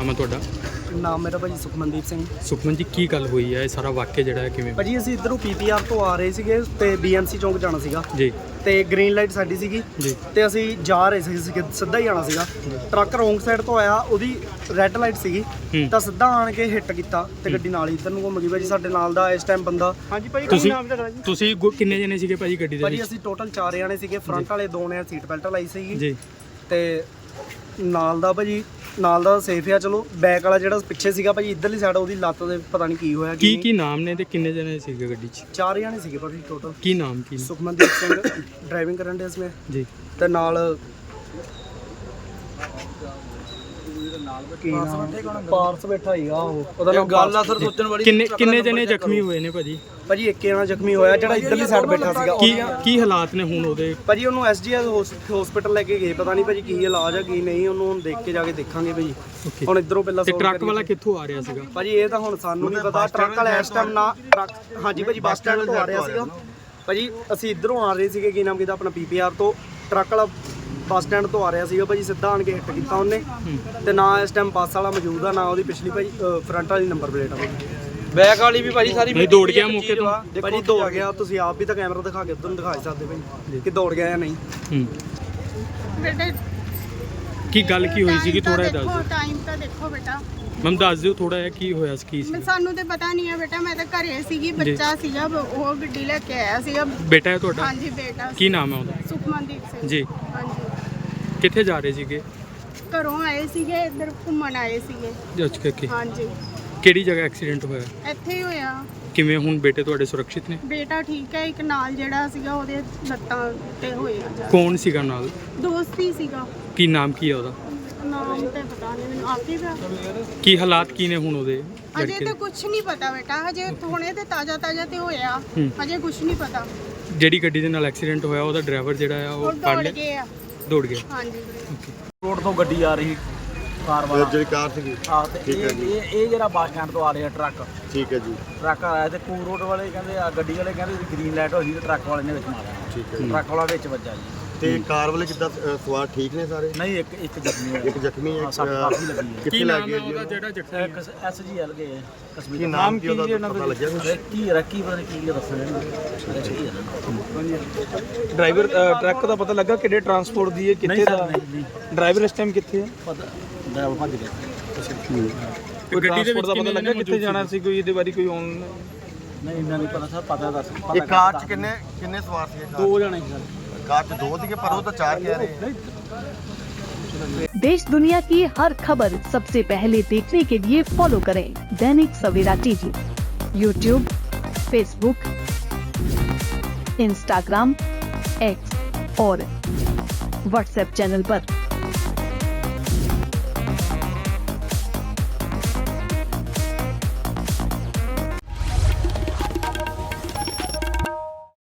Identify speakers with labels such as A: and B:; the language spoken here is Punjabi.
A: ਨਾਮ ਹੈ ਤੁਹਾਡਾ?
B: ਨਾਮ ਮੇਰਾ ਭਾਜੀ ਸੁਖਮਨਦੀਪ ਸਿੰਘ।
A: ਸੁਖਮਨ ਜੀ, ਕੀ ਗੱਲ ਹੋਈ ਹੈ? ਇਹ ਸਾਰਾ ਵਾਕਿਆ ਜਿਹੜਾ ਹੈ ਕਿਵੇਂ?
B: ਭਾਜੀ ਅਸੀਂ ਇੱਧਰੋਂ ਪੀਪੀਆਰ ਤੋਂ ਆ ਰਹੇ ਸੀਗੇ ਤੇ ਬੀਐਮਸੀ ਚੌਂਕ ਜਾਣਾ ਸੀਗਾ
A: ਜੀ
B: ਤੇ ਗ੍ਰੀਨ ਲਾਈਟ ਸਾਡੀ ਸੀਗੀ
A: ਜੀ
B: ਤੇ ਅਸੀਂ ਜਾ ਰਹੇ ਸੀ ਸਿੱਧਾ ਹੀ ਜਾਣਾ ਸੀਗਾ। ਟਰੱਕ ਰੋਂਗ ਸਾਈਡ ਤੋਂ ਆਇਆ, ਉਹਦੀ ਰੈੱਡ ਲਾਈਟ ਸੀਗੀ ਤਾਂ ਸਿੱਧਾ ਆਣ ਕੇ ਹਿੱਟ ਕੀਤਾ ਤੇ ਗੱਡੀ ਨਾਲ ਹੀ ਇੱਧਰ ਨੂੰ ਘੁੰਮ ਗਈ। ਭਾਜੀ ਸਾਡੇ ਨਾਲ ਦਾ ਇਸ ਟਾਈਮ ਬੰਦਾ। ਹਾਂਜੀ ਭਾਜੀ, ਕੀ ਨਾਮ ਤੁਹਾਡਾ ਜੀ?
A: ਤੁਸੀਂ ਕਿੰਨੇ ਜਣੇ ਸੀਗੇ ਭਾਜੀ ਗੱਡੀ ਦੇ ਵਿੱਚ?
B: ਭਾਜੀ ਅਸੀਂ ਟੋਟਲ 4 ਜਣੇ ਸੀਗੇ। ਫਰੰਟ ਵਾਲੇ 2 ਨੇ ਸੀਟ ਬੈਲਟ ਲਾਈ ਸੀਗੀ
A: ਜੀ
B: ਤੇ ਨਾਲ ਦਾ ਭਾਜੀ ਨਾਲ ਦਾ ਸੇਫ ਆ। ਚਲੋ ਬੈਕ ਵਾਲਾ ਜਿਹੜਾ ਪਿੱਛੇ ਸੀਗਾ ਭਾਜੀ ਇੱਧਰਲੀ ਸਾਈਡ, ਉਹਦੀ ਲੱਤ ਦੇ ਪਤਾ ਨਹੀਂ ਕੀ ਹੋਇਆ।
A: ਕੀ ਨਾਮ ਨੇ ਤੇ ਕਿੰਨੇ ਜਣੇ ਸੀਗੇ ਗੱਡੀ 'ਚ?
B: 4 ਜਣੇ ਸੀਗੇ ਭਾਜੀ ਟੋਟਲ।
A: ਕੀ ਨਾਮ ਕੀ?
B: ਸੁਖਮਨਦੀਪ ਸਿੰਘ ਡਰਾਈਵਿੰਗ ਕਰਨ ਦੇ ਇਸਮੇ
A: ਜੀ
B: ਤੇ ਨਾਲ ਪਾਰਸ ਬੈਠਾ ਹੀਗਾ ਉਹਦਾ ਨਾਮ ਗੱਲ ਆ ਸਰ ਸੋਚਣ ਵਾਲੀ।
A: ਕਿੰਨੇ ਜਣੇ ਜ਼ਖਮੀ ਹੋਏ ਨੇ ਭਾਜੀ?
B: ਭਾਜੀ ਇੱਕ ਜਣਾ ਜ਼ਖਮੀ ਹੋਇਆ ਜਿਹੜਾ ਇੱਧਰਲੀ ਸਾਈਡ ਬੈਠਾ ਸੀਗਾ।
A: ਕੀ ਹਾਲਾਤ ਨੇ ਹੁਣ ਉਹਦੇ?
B: ਭਾਜੀ ਉਹਨੂੰ ਐਸਜੀਐਸ ਹਸਪੀਟਲ ਲੈ ਕੇ ਗਏ, ਪਤਾ ਨਹੀਂ ਭਾਜੀ ਕੀ ਇਲਾਜ ਆ ਕੀ ਨਹੀਂ, ਉਹਨੂੰ ਹੁਣ ਦੇਖ ਕੇ ਜਾ ਕੇ ਦੇਖਾਂਗੇ ਭਾਜੀ। ਹੁਣ ਇੱਧਰੋਂ ਪਹਿਲਾਂ
A: ਤੇ ਟਰੱਕ ਵਾਲਾ ਕਿੱਥੋਂ ਆ ਰਿਹਾ ਸੀਗਾ
B: ਭਾਜੀ? ਇਹ ਤਾਂ ਹੁਣ ਸਾਨੂੰ ਨਹੀਂ ਪਤਾ। ਟਰੱਕ ਵਾਲਾ ਇਸ ਟਾਈਮ ਨਾ ਟਰੱਕ, ਹਾਂਜੀ ਭਾਜੀ ਬੱਸ ਸਟੈਂਡ ਤੋਂ ਆ ਰਿਹਾ ਸੀਗਾ ਭਾਜੀ। ਅਸੀਂ ਇੱਧਰੋਂ ਆ ਰਹੇ ਸੀਗੇ, ਕੀ ਨਾਮ ਕਿਹਦਾ ਆਪਣਾ ਪੀਪੀਆਰ ਤੋਂ। ਟਰੱਕ ਵਾਲਾ ਬੱਸ ਸਟੈਂਡ ਤੋਂ ਆ ਰਿਹਾ ਸੀਗਾ ਭਾਜੀ, ਸਿੱਧਾ ਆਣ ਕੇ ਹਿੱਟ ਕੀਤਾ ਉਹਨੇ ਤੇ ਨਾ ਇਸ ਟਾਈਮ ਬੱਸ ਵਾਲਾ ਮੌਜੂਦ ਆ, ਨਾ ਉਹਦੀ ਪਿਛਲੀ ਭਾਜੀ ਫਰੰਟ ਵਾਲੀ ਨੰਬਰ ਪਲੇਟ ਆ। ਬੈਕ ਵਾਲੀ ਵੀ ਭਾਜੀ ਸਾਰੀ
A: ਨਹੀਂ ਦੌੜ ਗਿਆ ਮੌਕੇ ਤੋਂ?
B: ਭਾਜੀ ਦੌੜ ਗਿਆ। ਤੁਸੀਂ ਆਪ ਵੀ ਤਾਂ ਕੈਮਰਾ ਦਿਖਾ ਕੇ ਉਧਰ ਨੂੰ ਦਿਖਾ ਸਕਦੇ ਭਾਜੀ ਕਿ ਦੌੜ ਗਿਆ ਜਾਂ ਨਹੀਂ।
C: ਬੇਟੇ
A: ਕੀ ਗੱਲ ਕੀ ਹੋਈ ਸੀਗੀ? ਥੋੜਾ ਜਿਹਾ ਦੱਸ ਦਿਓ।
C: ਟਾਈਮ ਤਾਂ ਦੇਖੋ ਬੇਟਾ,
A: ਮੈਮ ਦੱਸ ਦਿਓ ਥੋੜਾ ਜਿਹਾ ਕੀ ਹੋਇਆ ਸੀ, ਕੀ ਸੀ?
C: ਸਾਨੂੰ ਤੇ ਪਤਾ ਨਹੀਂ ਹੈ ਬੇਟਾ। ਮੈਂ ਤਾਂ ਘਰੇ ਸੀਗੀ, ਬੱਚਾ ਸੀਗਾ, ਉਹ ਗੱਡੀ ਲੈ ਕੇ ਆਇਆ ਸੀਗਾ।
A: ਬੇਟਾ ਹੈ ਤੁਹਾਡਾ?
C: ਹਾਂਜੀ ਬੇਟਾ।
A: ਕੀ ਨਾਮ ਹੈ ਉਹਦਾ?
C: ਸੁਖਮਨਦੀਪ ਸਿੰਘ
A: ਜੀ।
C: ਹਾਂਜੀ,
A: ਕਿੱਥੇ ਜਾ ਰਹੇ ਸੀਗੇ?
C: ਘਰੋਂ ਆਏ ਸੀਗੇ, ਇੱਧਰ ਘੁੰਮਣ ਆਏ ਸੀਗੇ।
A: ਜੱਜ ਕਰਕੇ
C: ਹਾਂਜੀ,
A: ਕਿਹੜੀ ਜਗ੍ਹਾ ਐਕਸੀਡੈਂਟ ਹੋਇਆ?
C: ਇੱਥੇ ਹੀ ਹੋਇਆ।
A: ਕਿਵੇਂ ਹੁਣ ਬੇਟੇ ਤੁਹਾਡੇ ਸੁਰੱਖਿਅਤ ਨੇ?
C: ਬੇਟਾ ਠੀਕ ਹੈ, ਇੱਕ ਨਾਲ ਜਿਹੜਾ ਸੀਗਾ ਉਹਦੇ ਲੱਤਾਂ ਤੇ ਹੋਇਆ।
A: ਕੌਣ ਸੀਗਾ ਨਾਲ?
C: ਦੋਸਤ ਹੀ ਸੀਗਾ।
A: ਕੀ ਨਾਮ ਕੀ ਹੈ ਉਹਦਾ?
C: ਨਾਮ ਤੇ ਪਤਾ ਨਹੀਂ ਮੈਨੂੰ, ਆਕਿਬ ਆ।
A: ਕੀ ਹਾਲਾਤ ਕੀ ਨੇ ਹੁਣ ਉਹਦੇ?
C: ਅਜੇ ਤਾਂ ਕੁਝ ਨਹੀਂ ਪਤਾ ਬੇਟਾ, ਹਜੇ ਹੁਣੇ ਤੇ ਤਾਜ਼ਾ ਤੇ ਹੋਇਆ, ਹਜੇ ਕੁਝ ਨਹੀਂ ਪਤਾ।
A: ਜਿਹੜੀ ਗੱਡੀ ਦੇ ਨਾਲ ਐਕਸੀਡੈਂਟ ਹੋਇਆ ਉਹਦਾ ਡਰਾਈਵਰ ਜਿਹੜਾ ਆ ਉਹ ਫੜ
C: ਦੌੜ
A: ਲਿਆ?
C: ਗਏ ਆ।
A: ਦੌੜ ਗਿਆ।
C: ਹਾਂਜੀ,
B: ਰੋਡ ਤੋਂ ਗੱਡੀ ਆ ਰਹੀ ਕਾਰ ਵਾਲਾ,
D: ਜਿਹੜੀ ਕਾਰ ਸੀਗੀ।
B: ਹਾਂ ਤੇ ਇਹ ਜਿਹੜਾ ਬੱਸ ਸਟੈਂਡ ਤੋਂ ਆ ਰਿਹਾ ਟਰੱਕ।
D: ਠੀਕ ਹੈ ਜੀ।
B: ਟਰੱਕ ਆਇਆ ਤੇ ਕੂ ਰੋਡ ਵਾਲੇ ਕਹਿੰਦੇ ਆ, ਗੱਡੀ ਵਾਲੇ ਕਹਿੰਦੇ ਗ੍ਰੀਨ ਲਾਈਟ ਹੋਈ ਤੇ ਟਰੱਕ ਵਾਲੇ ਨੇ ਵਿੱਚ ਮਾਰਿਆ।
D: ਠੀਕ ਹੈ ਜੀ।
B: ਟਰੱਕ ਵਾਲਾ ਵਿੱਚ ਵੱਜਾ ਜੀ।
D: ਤੇ ਕਾਰ ਵਾਲੇ ਕਿੱਦਾਂ ਸਵਾਰ ਠੀਕ ਨੇ ਸਾਰੇ?
B: ਨਹੀਂ, ਇੱਕ ਜ਼ਖਮੀ ਹੋਇਆ।
D: ਇੱਕ ਜ਼ਖਮੀ ਹੈ।
B: ਸੱਟ ਕਾਫੀ ਲੱਗੀ ਹੈ।
D: ਕਿੱਥੇ ਲੱਗ ਗਿਆ ਜੀ?
A: ਜਿਹੜਾ ਜ਼ਖਮੀ
B: ਇੱਕ ਐਸਜੀਐਲ ਗਏ
D: ਕੀ
B: ਕਸ਼ਮੀਰ।
D: ਨਾਮ ਕੀ ਉਹਦਾ ਪਤਾ ਲੱਗਿਆ ਕੁਛ?
B: ਰੱਕੀ ਪਤਾ ਨਹੀਂ ਕੀ ਦੱਸਣਾ।
E: ਡਰਾਈਵਰ ਟਰੱਕ ਦਾ ਪਤਾ ਲੱਗਾ ਕਿਹੜੇ ਟਰਾਂਸਪੋਰਟ ਦੀ ਹੈ, ਕਿੱਥੇ ਦਾ ਡਰਾਈਵਰ ਇਸ ਟਾਈਮ ਕਿੱਥੇ ਹੈ?
B: ਪਤਾ ਡਰਾਈਵਰ ਭੱਜ ਗਿਆ।
E: ਕੋਈ ਟਰਾਂਸਪੋਰਟ ਦਾ ਪਤਾ ਲੱਗਾ ਕਿੱਥੇ ਜਾਣਾ ਸੀ? ਕੋਈ ਇਹਦੇ ਬਾਰੇ ਕੋਈ ਔਨ
B: ਨਹੀਂ ਇੰਨਾ ਨਹੀਂ ਪਤਾ ਸਰ, ਪਤਾ ਦੱਸ।
D: ਇਹ ਕਾਰ 'ਚ ਕਿੰਨੇ ਸਵਾਰ ਸੀਗੇ?
B: 2 ਜਣੇ ਸੀ ਸਰ।
D: ਕਾਰ 'ਚ 2 ਸੀਗੇ ਪਰ ਉਹ ਤਾਂ 4 ਕਹਿ ਰਹੇ।
F: देश दुनिया की हर खबर सबसे पहले देखने के लिए फॉलो करें Dainik Savera TV, YouTube, Facebook, Instagram, X और व्हाट्सएप चैनल पर।